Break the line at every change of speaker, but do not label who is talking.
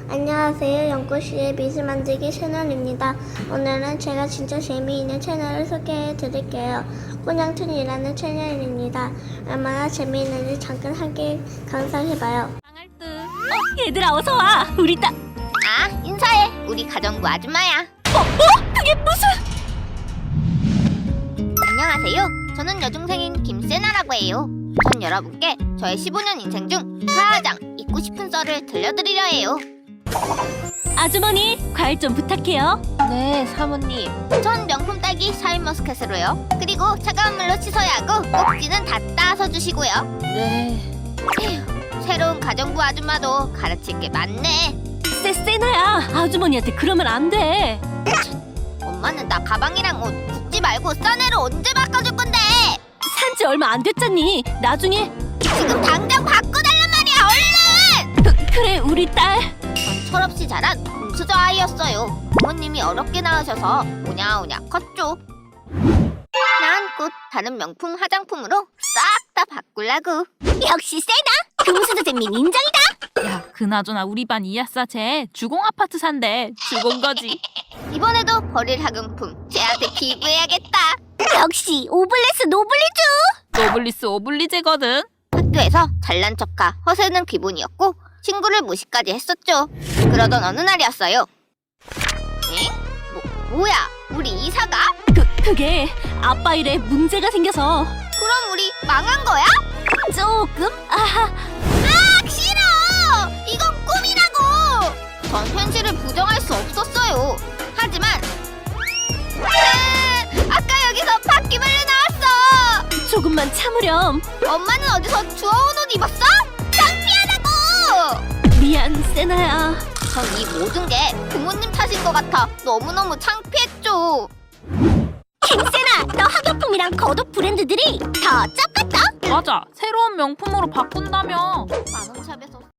안녕하세요. 연꽃씨의 미술 만들기 채널입니다. 오늘은 제가 진짜 재미있는 채널을 소개해 드릴게요. 꼬냥툰이라는 채널입니다. 얼마나 재미있는지 잠깐 함께 감상해봐요.
얘들아 어서와. 우리 딸.
아, 인사해. 우리 가정부 아줌마야.
그게 무슨.
안녕하세요. 저는 여중생인 김세나라고 해요. 전 여러분께 저의 15년 인생 중 가장 잊고 싶은 썰을 들려드리려 해요.
아주머니 과일 좀 부탁해요.
네, 사모님. 전 명품 딸기 샤인머스켓으로요. 그리고 차가운 물로 씻어야 하고 꼭지는 다 따서 주시고요. 네. 새로운 가정부 아줌마도 가르칠 게 많네.
세나야, 아주머니한테 그러면 안 돼.
엄마는 나 가방이랑 옷 굽지 말고 싼 애로 언제 바꿔줄 건데?
산지 얼마 안 됐잖니. 나중에.
지금 당장 바꿔달란 말이야, 얼른!
그래 우리 딸.
전 철없이 자란 금수저 아이였어요. 부모님이 어렵게 낳으셔서 오냐오냐 컸죠. 난 곧 다른 명품 화장품으로 싹 다 바꾸려고. 역시 세나! 금수저 잼민 인정이다!
야, 그나저나 우리 반 이하사 쟤 주공 아파트 산대. 주공 거지.
이번에도 버릴 학용품 쟤한테 기부해야겠다.
역시 오블레스 노블리주.
노블리스 오블리제거든.
학교에서 잘난 척하 허세는 기본이었고 친구를 무시까지 했었죠. 그러던 어느 날이었어요. 에? 뭐야? 우리 이사가?
그게 아빠 일에 문제가 생겨서.
그럼 우리 망한 거야?
조금.
싫어! 이건 꿈이라고! 전 현실을 부정할 수 없었어요. 하지만 아까 여기서 바퀴벌레 나왔어!
조금만 참으렴.
엄마는 어디서 주워온 옷 입었어? 창피하다고!
미안 세나야.
전 이 모든 게 부모님 탓인 것 같아 너무너무 창피했죠.
김세나, 너 학용품이랑 겉옷 브랜드들이 다 짝같다.
맞아. 새로운 명품으로 바꾼다며.
만원샵에서